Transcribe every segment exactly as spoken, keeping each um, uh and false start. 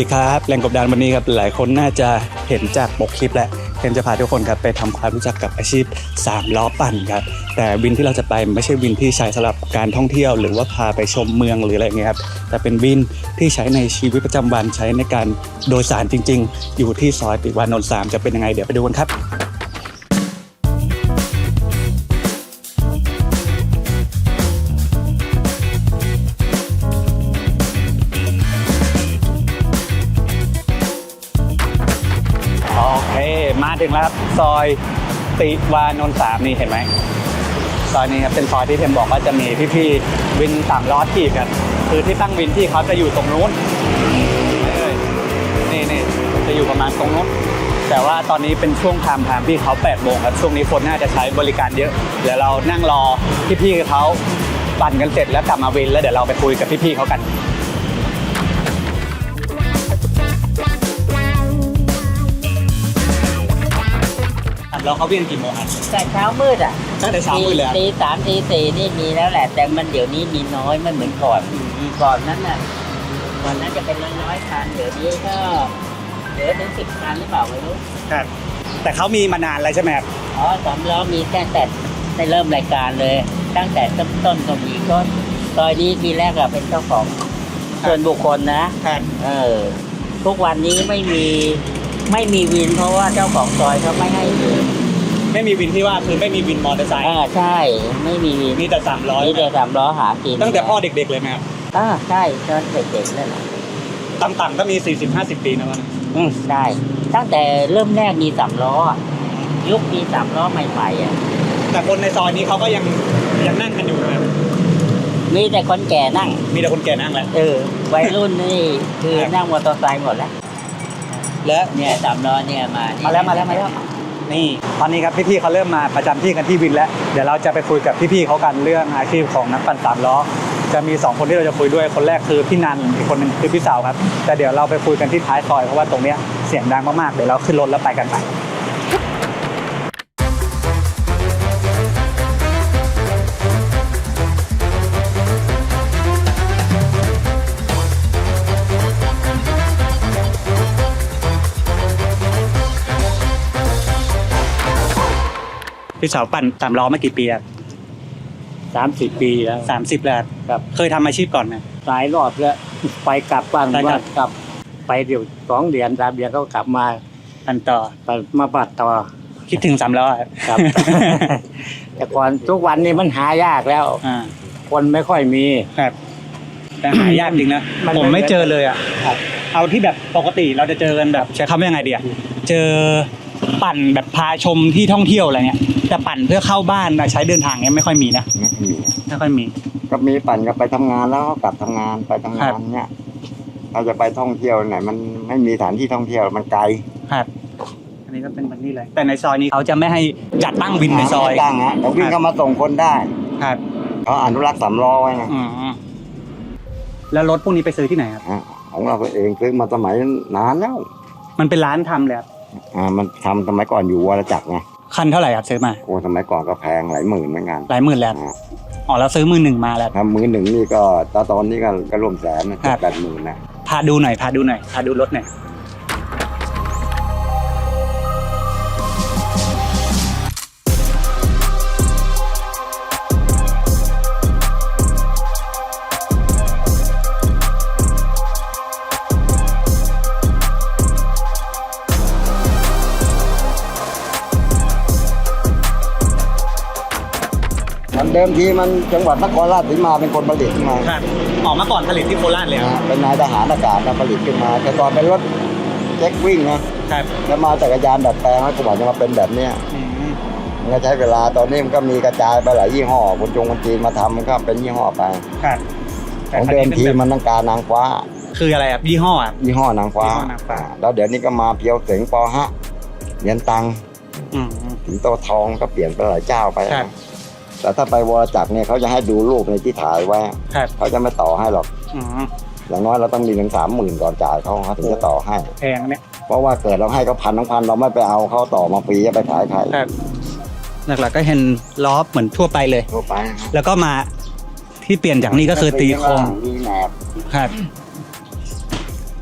ดีครับแรงกดดันวันนี้ครับหลายคนน่าจะเห็นจากปกคลิปแล้วเทนจะพาทุกคนครับไปทำความรู้จักกับอาชีพสามล้อปั่นครับแต่วินที่เราจะไปไม่ใช่วินที่ใช้สำหรับการท่องเที่ยวหรือว่าพาไปชมเมืองหรืออะไรเงี้ยครับแต่เป็นวินที่ใช้ในชีวิตประจำวันใช้ในการโดยสารจริงๆอยู่ที่ซอยติวานนท์สามจะเป็นยังไงเดี๋ยวไปดูกันครับมาถึงแล้วครับซอยติวานนท์สามนี่เห็นไหมซอยนี้ครับเป็นซอยที่เทมบอกว่าจะมีพี่ๆวินสามล้อถีบกันคือที่ตั้งวินที่เขาจะอยู่ตรงนู้นนี่นี่จะอยู่ประมาณตรงนู้นแต่ว่าตอนนี้เป็นช่วงไทม์ไทม์ที่เขาแปดโมงครับช่วงนี้คนน่าจะใช้บริการเยอะเดี๋ยวเรานั่งรอพี่ๆเขาปั่นกันเสร็จแล้วกลับมาวินแล้วเดี๋ยวเราไปคุยกับพี่ๆเขากันแล้วเขาเวียนกี่โมงครับแต่เช้ามืดอ่ะตั้งแต่เช้ามืดเลยตีสามตีสี่นี่มีแล้วแหละแต่มันเดี๋ยวนี้มีน้อยไม่เหมือนก่อนก่อนนั้นน่ะก่อนนั้นจะเป็นร้อยๆคันเดี๋ยวนี้ก็เหลือถึงสิบคันหรือเปล่าไม่รู้ครับแต่เขามีมานานแล้วใช่ไหมครับอ๋อสามล้อมีตั้งแต่ได้เริ่มรายการเลยตั้งแต่ต้นต้นก็มีก็ซอยนี้ทีแรกอะเป็นเจ้าของส่วนบุคคลนะครับเออทุกวันนี้ไม่มีไม่มีวินเพราะว่าเจ้าของซอยเขาไม่ให้วินไม่มีวินที่ว่าคือไม่มีวินมอเตอร์ไซค์อ่าใช่ไม่มีวินมีแต่สามล้อมีแต่สามล้อหากินตั้งแต่พ่อเด็กๆเลยไหมครับอ่าใช่ตอนเด็กๆนั่นแหละต่ำๆก็มี สี่สิบห้าสิบ ปีนะวะอืมใช่ตั้งแต่เริ่มแรกมีสามล้อยุคมีสามล้อใหม่ๆอ่ะแต่คนในซอยนี้เขาก็ยังยังนั่งกันอยู่นะครับมีแต่คนแก่นั่งมีแต่คนแก่นั่งแหละเออวัยรุ่นนี่คือนั่งมอเตอร์ไซค์หมดแล้วและเนี่ยสามล้อเนี่ยมามาแล้วมาแล้วมาแล้วนี่ตอนนี้ครับพี่ๆเขาเริ่มมาประจำที่กันที่วินแล้วเดี๋ยวเราจะไปคุยกับพี่ๆเขากันเรื่องอาชีพของนักปั่นสามล้อจะมีสองคนที่เราจะคุยด้วยคนแรกคือพี่นันอีกคนนึงคือพี่สาวครับแต่เดี๋ยวเราไปคุยกันที่ท้ายซอยเพราะว่าตรงเนี้ยเสียงดังมากๆเดี๋ยวเราขึ้นรถแล้วไปกันไปพี่สาวปั่นสามล้อมากี่ปีครับสามสิบปีแล้วสามสิบแล้วครับเคยทำอาชีพก่อนไหมหลายรอบแล้วไปกลับบ้างว่ากลับไปเดี๋ยวสองเดือนสามเดือนก็กลับมาปั่นต่อมาปั่นต่อคิดถึงสามล้อครับแต่ก่อนทุกวันนี้มันหายากแล้วคนไม่ค่อยมีครับแต่หายากจริงนะผมไม่เจอเลยอ่ะเอาที่แบบปกติเราจะเจอกันแบบใช้คำว่ายังไงดีอ่ะเจอปั่นแบบพาชมที่ท่องเที่ยวอะไรเงี้ยแต่ปั่นเพื่อเข้าบ้านใช้เดินทางเงี้ยไม่ค่อยมีนะไม่ค่อยมีไม่ค่อยมีก็มีปั่นก็ไปทำงานแล้วก็กลับทำงานไปทำงานเนี้ยเราจะไปท่องเที่ยวไหนมันไม่มีสถานที่ท่องเที่ยวมันไกลครับอันนี้ก็เป็นแบบนี้เลยแต่ในซอยนี้เขาจะไม่ให้จัดตั้งวินในซอยตั้งฮะแต่วิ่งเข้ามาส่งคนได้ครับเขาอนุรักษ์สามล้อไว้ไงแล้วรถพวกนี้ไปซื้อที่ไหนครับของเราเองซื้อมาสมัยนานแล้วมันเป็นร้านทำเลยครับอ่ามันทำสมัยก่อนอยู่วรจักรไงคันเท่าไหร่ครับซื้อมาโอ้สมัยก่อนก็แพงหลายหมื่นเหมือนกันหลายหมื่นแล้วอ๋อแล้วซื้อมือหนึ่งมาแล้วทำมือหนึ่งนี่ก็ตอนตอนนี้ก็ก็รวมแสนนะแปดหมื่นนะพาดูหน่อยพาดูหน่อยพาดูรถหน่อยเดิมทีมันจังหวัดนครราชสีมาเป็นคนผลิตขึ้นมาครับออกมาก่อนผลิตที่โคราชเลยเป็นนายทหารอากาศมาผลิตขึ้นมาแต่ก่อนเป็นรถเจ็กวิ่งนะครับแล้วมาจักรยานดัดแปลงให้กว่าจะมาเป็นแบบเนี้ยมันก็ใช้เวลาตอนนี้มันก็มีกระจายไปหลายยี่ห้อคนจงคนจีนมาทำมันก็เป็นยี่ห้อไปครับของเดิมทีมันต้องการนางฟ้าคืออะไรครับยี่ห้อยี่ห้อนางฟ้าแล้วเดี๋ยวนี้ก็มาเพียวเสงปอฮะเย็นตังถึงโตทองก็เปลี่ยนไปหลายเจ้าไปแต่ถ้าไปวรจักรเนี่ยเขาจะให้ดูรูปในที่ถ่ายไว้เขาจะไม่ต่อให้หรอกอย่างน้อยเราต้องมีถึงสามหมื่นก่อนจ่ายเขาเขาถึงจะต่อให้แพงเนี่ยเพราะว่าเกิดเราให้เขาพันทั้งพันเราไม่ไปเอาเขาต่อมาฟรีจะไปขายใครหลักๆก็เห็นล้อเหมือนทั่วไปเลยทั่วไปแล้วก็มาที่เปลี่ยนจากนี้ก็คือตีโครงมีแหนบครับ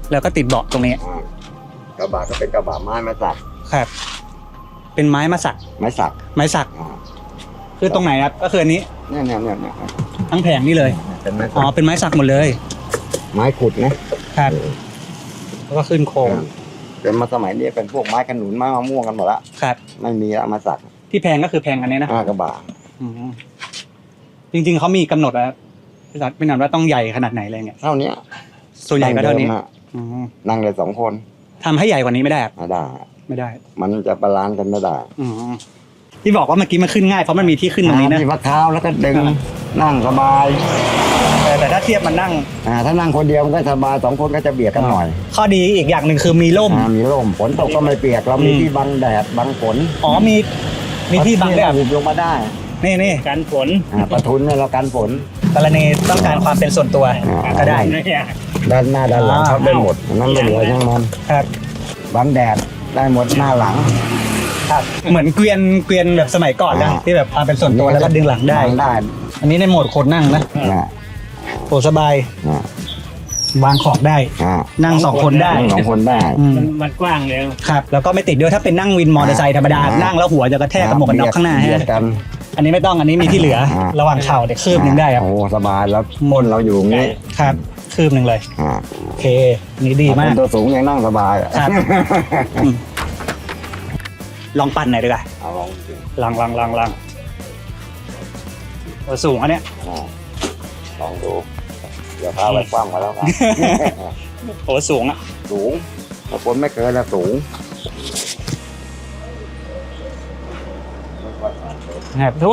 แล้วก็ติดเบาะตรงนี้อ่ากระบะก็เป็นกระบะไม้ไม้สักครับ เป็นไม้มาสักไม้สักไม้สักอ่าคือตรงไหนครับก็คืออันนี้เนี่ยเนี่ยเนี่ยเนี่ยทั้งแผงนี่เลยเป็นไม้อ๋สัอก เป็นไม้สักหมดเลยไม้ขุดนะครับแล้วก็ขึ้นโครงเป็นมาสมัยนี้เป็นพวกไม้ขนุนไม้มะม่วงกันหมดละครับไม่มีละมาสักที่แพงก็คือแพงอันนี้นะอ่ากระบะอืมจริงๆเขามีกำหนดแล้วพี่สัตว์ไม่นานว่าต้องใหญ่ขนาดไหนอะไรเงี้ยเท่านี้ส่วนใหญ่ก็เท่านี้งดิมอะอืมนั่งเลยสองคนทำให้ใหญ่กว่านี้ไม่ได้ครับไม่ได้ไม่ได้มันจะบาลานซ์กันไม่ได้อืมที่บอกว่าเมื่อกี้มันขึ้นง่ายเพราะมันมีที่ขึ้นตรงนี้นะมีพักเท้าแล้วก็ดึงอ่านั่งสบายแต่แต่ถ้าเทียบมันนั่งอ่าถ้านั่งคนเดียวมันก็สบายสองคนก็จะเบียดกันหน่อยข้อดีอีกอย่างหนึ่งคือมีร่มอ่ามีร่มฝนตกก็ไม่เปียกเรามีอืมที่บังแดดบังฝนอ๋อมีมีที่บังด้วยเราอ่ะหุบลงมาได้นี่นี่กันฝนอ่าประทุนเนี่ยเรากันฝนกรณีต้องการความเป็นส่วนตัวอ่าก็ได้ด้านหน้าด้านหลังอ่าชอบได้หมดนั่นไม่เหลือช่างมันครับบังแดดได้หมดหน้าหลังครับเหมือนเกวียนเกวียนแบบสมัยก่อนนะอ่าที่แบบความเป็นส่วนตัวแล้วก็ดึงหลังได้บังได้อันนี้ในโหมดคนนั่งนะนะโอ้สบายนะวางของได้อ่านั่งสองคนได้นั่งสองคนได้อืมมันมันกว้างเลยครับแล้วก็ไม่ติดด้วยถ้าเป็นนั่งวินมอเตอร์ไซค์ธรรมดาอ่านั่นั่งแล้วหัวจะกระแทกกับหมวกกันน็อกข้างหน้าเบียฮะดกันอันนี้ไม่ต้องอันนี้มีที่เหลืออ่าระหว่างเข่าเดี๋ยวคืบหนึ่งได้ครับโอ้สบายแล้วก้นเราอยู่ตรงนี้ครับคืบหนึ่งเลยอ่าโอเคอันนี้ดีมากคนตัวสูงยังนั่งสบายครับ อืมลองปั่นหน่อยดีกว่าเอาลองสิลองลองลองลองโอ้สูงอันเนี้ยอ่าลองดูเดี๋ยวพาไปกว้างกันแล้วกันโอ้สูงอ่ะสูงถ้าคนไม่เกินแล้วสูงครับ โอ้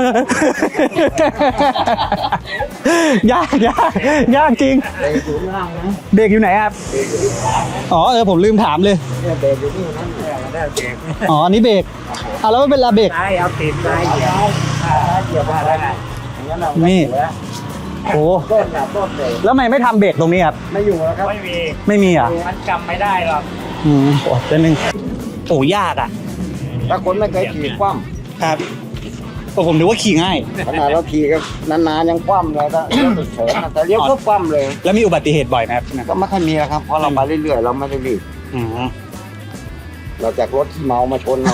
ยากยากยากจริงเบรกอยู่ข้างล่างนะเบรกอยู่ไหนครับเบรกอยู่ที่ขวาอ๋อเออผมลืมถามเลยเนี่ยเบรกอยู่ที่นั่นเนี่ยมันได้เบรกอ๋ออันนี้เบรกเอาแล้วเป็นลาเบรกซ้ายเอาติดซ้ายเดียวเกี่ยวกับอะไรอย่างนั้นเรานี่ไม่อยู่แล้วโอ้ต้นกับต้นเบรกแล้วทำไมไม่ทำเบรกตรงนี้ครับไม่อยู่แล้วครับไม่มีไม่มีเหรอ่ะมันจำไม่ได้หรอกอืมโอ้เดี๋ยวนึงโอ้ยากอ่ะถ้าคนไม่เคยขี่คว่ครับโอ้ผมนึกว่าขี่ง่ายำขนาดเราขี่ก็นานๆยังคว่ำเลยถ้าเลี้ยวเฉยๆแต่เลี้ยวก็คว่ำเลยแล้วมีอุบัติเหตุบ่อยไหมครับก็ไม่ค่อยมีแล้วครับเพราะเรามาเรื่อยๆเราไม่ได้รีบอืมเราจากรถที่เมามาชนเรา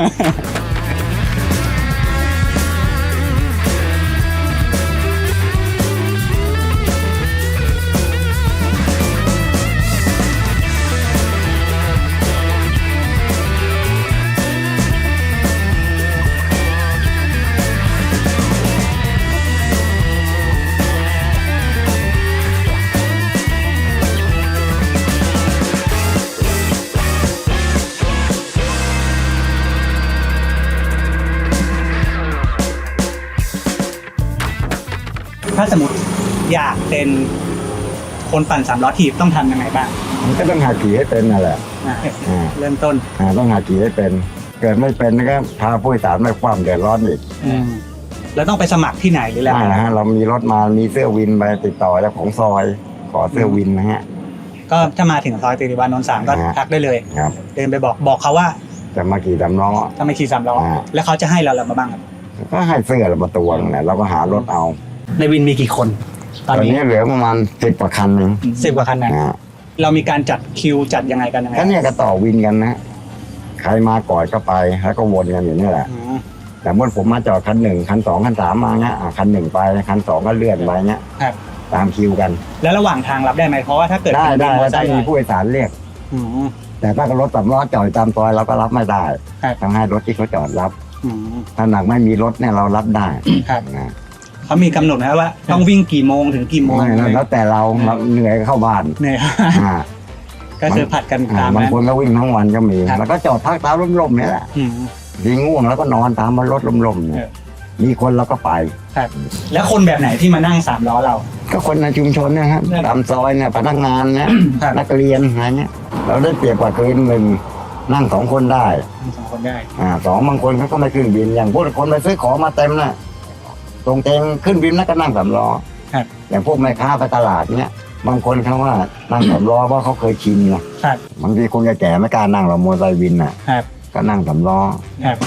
ถ้าสมมติอยากเป็นคนปั่นสามล้อถีบต้องทำยังไงบ้างมันก็ต้องหาขี่ให้เป็นนั่นแหละอ่ะอ่าเริ่มต้นอ่าต้องหาขี่ให้เป็น เกิดไม่เป็นก็พาผู้โดยสารไม่คว่ำเดือดร้อนอีกอืมแล้วต้องไปสมัครที่ไหนหรืออะไรได้นะฮะเรามีรถมามีเสื้อวินไปติดต่อเจ้าของซอย ขอเสื้อวินนะฮะก็ถ้ามาถึงซอยติริวานนท์สามก็อ่าทักได้เลยครับเดินไปบอกบอกเขาว่าจะมาขี่ดำล้อถ้าไม่ขี่สามล้ออ่าแล้วเขาจะให้เราอะไรมาบ้างครับก็ให้เสื้อเรามาตัวนึงแหละเราก็หารถเอาในวินมีกี่คน ตตออน นนี้นี้เหลือประมาณสิบกว่าคันเองสิบกว่าคันนะอ่าเรามีการจัดคิวจัดยังไงกันยังไงก็เนี่ยก็ต่อวินกันนะ ใครมาก่อนก็ไปแล้วก็วนกันอยู่นี่แหละอืมแต่เมื่อผมมาจอดคันหนึ่งคันสองคันสามมาเงี้ยอ่ะคันหนึ่งไปคันสองก็เลื่อนไปเงี้ยครับตามคิวกันแล้วระหว่างทางรับได้ไหมเพราะว่าถ้าเกิดได้เป็นได้วินมอเตอร์ไซได้ค์มีผู้โดยสารเรียกอืมแต่ถ้ารถสำล้อจอดตามซอยเราก็รับไม่ได้ครับต้องให้รถที่เขาจอดรับอืมถ้าหนักไม่มีรถเนี่ยเรารับได้ครับนะเขามีกำหนดไหมว่าต้องวิ่งกี่โมงถึงกี่โมงไม่แล้วแล้วแต่เราเราเหนื่อยก็เข้าบ้านเนี่ยอ่าก็คือผัดกันอ่าตามบางนั้นคนก็วิ่งทั้งวันก็มีครับแล้วก็จอดพักตามร่มๆเนี่ยแหละอืมดีง่วงแล้วก็นอนตามรถร่มๆเนี่ยเออมีคนเราก็ไปครับแล้วคนแบบไหนที่มานั่งสามล้อเราก็คนในชุมชนเนะครับครับตามซอยเนี่ยพนักงานเนี่ยครับนักเรียนอะไรเงี้ยเราได้เปรียบกว่าคืนหนึ่งนั่งสองคนได้มีสองคนได้อ่าสองบางคนเขาก็ไม่ขึ้นบินอย่างพวกคนไปซื้อของมาเต็มน่ะตรงเตงขึ้นบินแล้วก็นั่งสามล้อครับอย่างพวกแม่ค้าไปตลาดเนี่ยบางคนเขาว่านั่งสามล้อเพราะเขาเคยชินนะครับ บางทีคนแก่ๆไม่กล้านั่งหรอกมอเตอร์ไซค์วินน่ะครับก็นั่งสามล้อครับ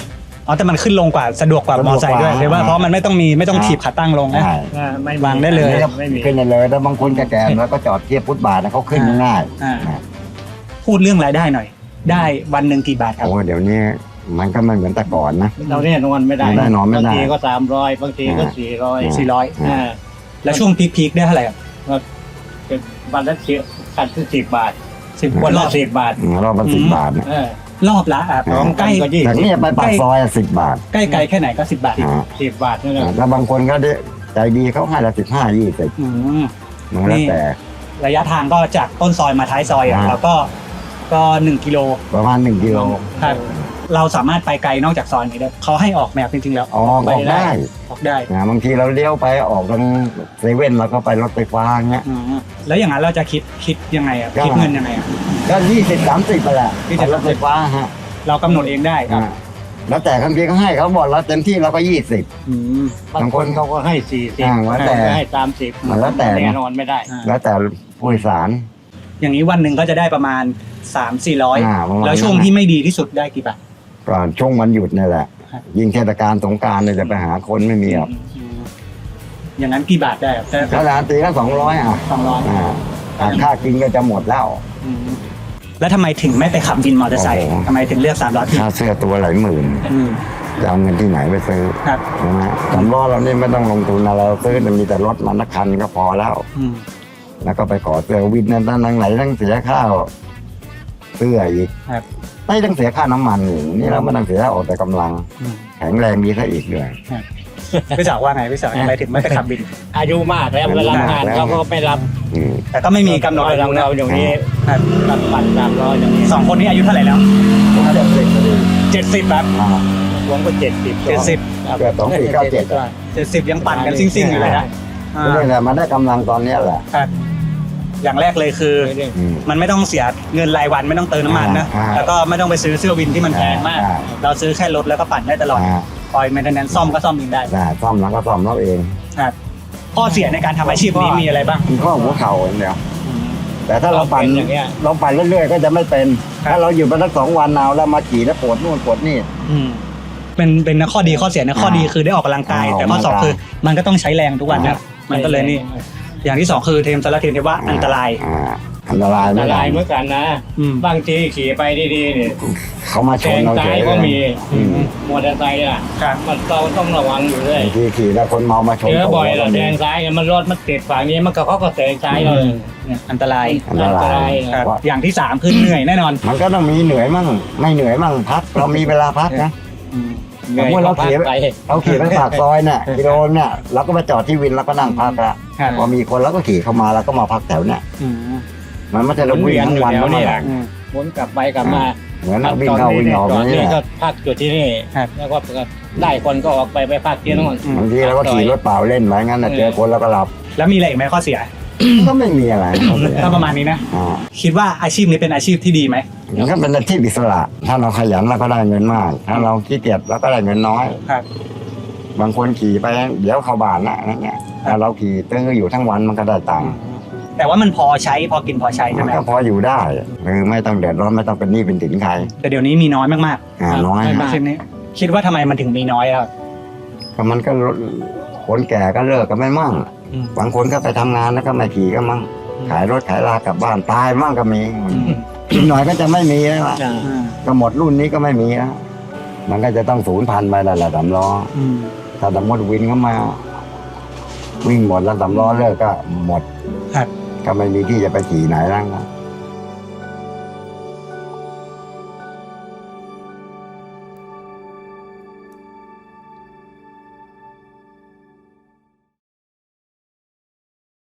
อ๋อแต่มันขึ้นลงกว่าสะดวกกว่ามอไซค์ด้วยสะดวกกว่าใช่ป่ะเพราะมันไม่ต้องมีไม่ต้องอ่าถีบขาตั้งลงนะใช่อ่าไม่มีวางได้เลยนี่ก็ไม่มีขึ้นได้เลยแล้วบางคนแก่ๆแล้วก็จอดเทียบฟุตบาทนะเขาขึ้นง่ายอ่าพูดเรื่องรายได้หน่อย ได้วันหนึ่งกี่บาทครับโอ้เดี๋ยวนี้มันก็ไม่เหมือนแต่ก่อนนะเราเนี่ยนอนไม่ได้ไม่ได้นอนไม่ได้บางทีก็สามร้อยบางทีก็สี่ร้อยอ่าสี่ร้อยอ่าแล้วช่วงพีคๆได้เท่าไหร่ครับเป็นวันละสิบคันที่สิบบาทสิบวันรละอบสิบบาทอืมรอบละสิบบาทเนี่ยเออรอบละอ่ะสองใกล้ก็ยี่จากสิบนี้ไปปากซอยสิบบาทใกล้ไกลแค่ไหนก็สิบบาทอ่าสิบบาทนั่นแหละแล้วบางคนก็ได้ใจดีเขาให้ละสิบห้ายี่สิบอืมมันแล้วแต่ระยะทางก็จากต้นซอยมาท้ายซอยอ่ะอ่าแล้วก็ก็หนึ่งกิโลประมาณหนึ่งกิโลครับเราสามารถไปไกลนอกจากซอยนี้ได้เขาให้ออกแมพจริงๆแล้วออกออกได้ออกได้นะบางทีเราเลี้ยวไปออกทางเซเว่นเราก็ไปรถไฟฟ้าเงี้ยอืมแล้วอย่างนั้นเราจะคิดคิดยังไงอ่ะก็คิดเงินยังไงอ่ะก็ยี่สิบสามสิบไปแหละยี่สิบรถไฟฟ้าฮะเรากำหนดเองได้ครับอ่าแล้วแต่บางทีเขาให้เขาบอกเราเต็มที่เราก็ยี่สิบอืมบางคนเขาก็ให้สี่สิบอ่าแล้วแต่ให้สามสิบมันแล้วแต่นะแน่นอนไม่ได้อ่าแล้วแต่ผู้โดยสารอย่างนี้วันหนึ่งก็จะได้ประมาณสามสี่ร้อยอ่าประมาณแล้วช่วงที่ไม่ดีที่สุดได้กี่บาทก่อนช่วงวันหยุดนี่แหละครับยิ่งเทศกาลสงกรารเนี่ยจะไปหาคนไม่มีหรอกอืมอย่างนั้นกี่บาทได้ครับขนาดตีละสองร้อยอ่ะสองร้อยอ่าอ่าค่ากินก็จะหมดแล้วแล้วทำไมถึงไม่ไปขับวินมอเตอร์ไซค์โอ้โหทำไมถึงเลือกสามล้อที่ค่าเสื้อตัวหลายหมื่นอืมจะเอาเงินที่ไหนไปซื้อครับใช่ไหมสำล้อเรานี่ไม่ต้องลงทุนอะไรเราซื้อแต่มีแต่รถมันนักคันก็พอแล้วอืมแล้วก็ไปขอเสื้อวินนั้นทั้งไหนทั้งเสียข้าวเสื้ออีกครับไม่ต้องเสียค่าน้ำมันอีกนี่เราไม่ต้องเสียออกแต่กำลังอืมแข็งแรงดีซะอีกเลยพี่สาวว่าไงพี่สาวทำไมถึงไม่ไปขับวินอายุมากแล้วเวลางานเขาก็ไม่รับอืมแต่ก็ไม่มีกำหนดอาเรายุนะเราอย่างนี้ครับตัดปันสามร้อยอย่างนี้สองคนนี้อายุเท่าไหร่แล้วผมเจ็ดสิบพอดีเจ็ดสิบครับอ่ารวมก็เจ็ดสิบเจ็ดสิบเกิดสองสี่เก้าเจ็ดเจ็ดสิบยังปั่นกันซิ่งๆอยู่เลยนะอ่านี่แหละมันได้กำลังตอนเนี้ยแหละครับอย่างแรกเลยคืออืมมันไม่ต้องเสียเงินรายวันไม่ต้องเติมน้ำมันนะอ่าแล้วก็ไม่ต้องไปซื้อเสื้อวินที่มันแพงมากอ่าเราซื้อแค่รถแล้วก็ปั่นได้ตลอดอ่าคอยแมนเทนแนนซ์ซ่อมก็ซ่อมเองได้ได้ซ่อมแล้วก็ซ่อมเราเองครับข้อเสียในการทำอาชีพนี้มีอะไรบ้างมีข้อหัวเข่าอย่างเดียวแต่ถ้าเราปั่นอย่างเงี้ยเราปั่นเรื่อยๆก็จะไม่เป็นครับถ้าเราอยู่มาสักสองวันเอาแล้วมาขี่แล้วปวดนู่นปวดนี่อืมเป็นเป็นข้อดีข้อเสียนะข้อดีคือได้ออกกำลังกายอ่าแต่ข้อสองออกกำลังกายคือมันก็ต้องใช้แรงทุกวันนะอ่ามันก็เลยนี่ อย่างที่สองคือเทมสารเทมที่ว่าอันตรายอ่าอันตรายอันไม่ตได้รายเหมือนกันนะอืมบางทีขี่ไปดีๆเนี่ยเขามาชแซนงเราเฉซ้ายยก็มีอืมมอเตอร์ไซค์อ่ะครับมันเราต้องระวังอยู่เลยบางทีขี่แล้วคนเมามาชนเจอบ่อยตัวเราเราแซงซ้ายเนี่ยมันรถมันติดฝั่งนี้มันก็เขาก็แซงซ้ายเราเลยเนี่ยอันตรายอันตรายครับอย่างที่สามคือเหนื่อยแน่นอนมันก็ต้องมีเหนื่อยมั่งไม่เหนื่อยมั่งพักเรามีเวลาพักนะอืมเหนื่อยสมมุติเราก็พักขี่ไปเราขี่ไปปากซอยเนี่ยกิโลเนี่ยเราก็มาจอดที่วินแล้วก็นั่งพักละครับพอมีคนแล้วก็ขี่เข้ามาแล้วก็มาพักแถวเนี่ยอืมมันไม่ใช่เราวิ่งทั้งวันหมุนเวียนอยู่ทั้งแถวเนี่ยวันอืมหมุนกลับไปกลับมาเหมือนนักวิ่งเข้าวิ่งออกจอดนี่นี่แหก็ละพักอยู่ที่นี่ครับแล้วก็ได้คนก็ออกไปไปพักที่นู่นอืมบางทีเราก็ขี่รถเปล่าเล่นไปงั้นนะเออเจอคนแล้วก็หลับแล้วมีอะไรอีกไหมข้อเสียก็ไม่มีอะไรก็ประมาณนี้นะอ่าคิดว่าอาชีพนี้เป็นอาชีพที่ดีไหมมันก็เป็นอาชีพอิสระ ถ้าเราขยันเราก็ได้เงินมาก ถ้าเราขี้เกียจเราก็ได้เงินน้อยครับบางคนขี่ไปเดี๋ยวเข้าบ้านนะอะไรเงี้ยแต่เราขี่ตื้ออยู่ทั้งวันมันก็ได้ตังค์แต่ว่ามันพอใช้พอกินพอใช้ใช่มันไหมก็พออยู่ได้คือไม่ต้องเดือดร้อนไม่ต้องเป็นหนี้เป็นสินใครแต่เดี๋ยวนี้มีน้อยมากอ่าน้อยๆอาชีพนี้ คิดว่าทำไมมันถึงมีน้อยครับก็มันก็คนแก่ก็เลิกก็ไม่มั่งอืมบางคนก็ไปทำงานแล้วก็ไม่ขี่ก็มั่งอืมขายรถขายลากลับบ้านตายมั่งก็มีอืมอีกหน่อยก็จะไม่มีแล้วล่ะอ่าอืมก็หมดรุ่นนี้ก็ไม่มีแล้วมันก็จะต้องศูนย์พันไปแล้วแหละสำล้ออืมถ้าสมมติวินเข้ามา วิ่งหมดแล้วสำล้อเลิกก็หมดครับก็ไม่มีที่จะไปขี่ไหนแล้ว